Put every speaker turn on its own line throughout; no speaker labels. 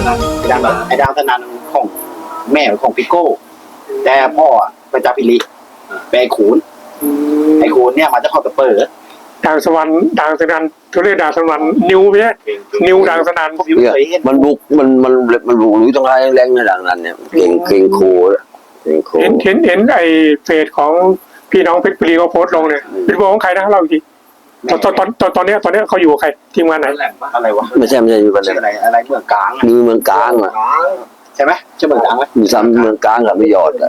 ไอ้ดังสนั่นของแม่ของพิโก้แต่พ่อไปจับพิริไปไอ้ขูนเนี่ยมาจะเข้าตะเปิด
ด่างสวรรค์ด่างสนันเขาเรียกด่างสวรรค์นิวเนี่ยนิวด่างสนัน
มันบุกมันบุกหรือต้องให้แรงในด่างนั้นเนี่ยเก่งโค
เห็นไอ้เฟซของพี่น้องเพชรบุรีเขาโพสต์ลงเนี่ยเป็นบอกของใครนะเล่าอีกทีตอนนี้เขาอยู่กับใครทีมงานไหน
อะไรวะ
ไม่ใช่อยู่กัน
เลยอะไรเมืองกลาง
อยู่เมืองกลางอ่ะ
ใช่ไหมใช่เมืองกลางไหม
อยู่ซ้ำเมืองกลางกับไม่ยอดอ่ะ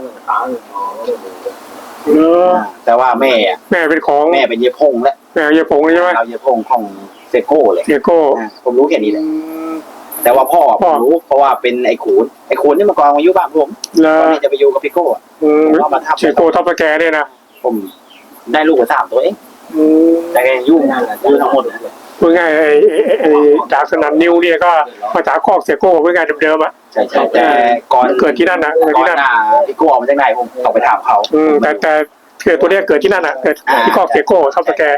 แต่ว่าแม่
เป็นของ
แม่เป็นเยพงแล้ว
แม่เยพงใช่ไหม
เราเยพงของเซโก้เลย
เซโก้
ผมรู้แค่นี้แหละแต่ว่าพ่อผมรู้เพราะว่าเป็นไอ้ขูนนี่มากองมาอยู่บ้านผมตอนนี้จะไปอยู่กับพี่โก้
ว่ามาทับเซโก้ทับแกเนี่ยนะ
ผมได้ลูกมา3 ตัวเองแต่ยุ่งทั้งหมด
เมื่อไงไอ้ด่างสนันนิวเนี่ยก็มาจากคอกเซโก้เมื่อไงเดิมๆอ่ะ
ใช่แต่ก่อน
เกิดที่นั่นนะ
ก่อนพี่โก้ออกมาจากไหนผมต้องไปถามเขา
แต่เกิดตัวเนี้ยเกิดที่นั่นอ่ะเกิดที่คอกเซโก้ทับแก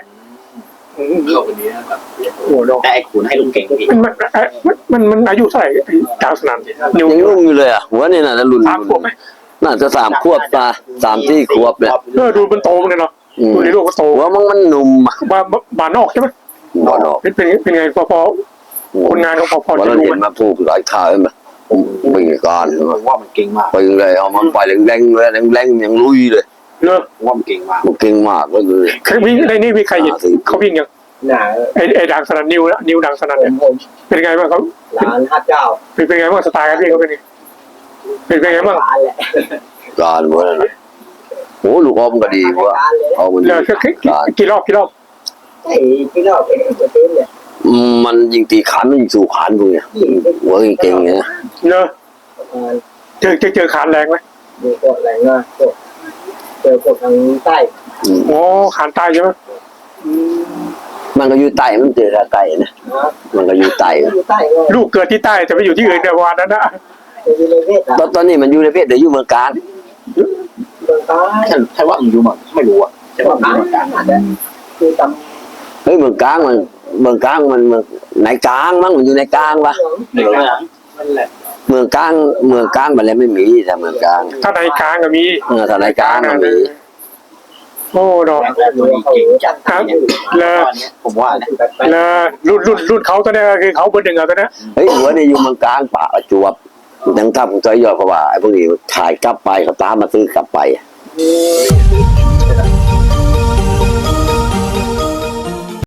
แต่ไอ้ขูนให้ลุงเก่งพี่
มันอายุเท่าไหร่ด่างสนัน
นิวยังรุ่งอยู่เลยอ่ะหัวนี่น่ะรุ่นน่าจะ3 ขวบตา3-4 ขวบเนี่ย
ดูมันโตเลยเนาะดูในลูกก็โต
ว่ามันหนุ่ม
บ้านนอกใช่ไหม
บ้านนอก
เป็นไงพอคนงานเขาพอ
จะรู้มาพูดหลายข่าวไหมวิ่งการ
ว่ามันเก่งมาก
ไปเลยเอามันไปแรงเลยยังลุยเลย
เนอะ
ว่ามันเก่งมาก
เลย
ใครวิ่งในนี่มีใครเห็นเขาวิ่งยังไอ้ด่างสนันนิวด่างสนันเนี่ยเป็นไงบ้างเขาเป็นไงบ้างสไตล์การวิ่งเขาเป็นไงบ้าง
การเมื่อนั้นโอ้ลูกอมก็ดีวะเอามัน
กี่รอบ
กี่รอบ
มันยิงตีขานมันยิงสู่ขานพวกเนี้ยหัวเก่งเนี่ย
เนอะเจอขานแรงไหม
แรงมากเจอกดทางใต้
โอ้ขานใต้ใช่ไหม
มันก็อยู่ใต้มันเจอใต้นะมันก็อยู่ใต้
ลูกเกิดที่ใต้แต่ไปอยู่ที่อื่นในวันนั้นนะ
ตอนนี้มันอยู่ในเพศเดี๋ยวอยู่เมืองการ
ใช่ว่าอยู่มั้งไม่รู้อ่ะใช่ว่าเมืองการ
เฮ้ยเมืองกลางมันไหนกลางมั้งมันอยู่ในกลางปะเมืองกลางมันเลยไม่มีแต่เมืองกลาง
ถ้าในกลางก็มี
ถ้าในกลางมันมี
โอ้ดอกครับเลย
ผมว่า
เลยรุ่นเขาตอนนี้คือเขาเบอร์ 1อ่ะตอนนี้
เฮ้ยหัวเนี่ยอยู่เมืองกลางป่าจวบยังทำใจย่อเพราะว่าไอ้พวกนี้ถ่ายกลับไปเขาตามมาซื้อกลับไป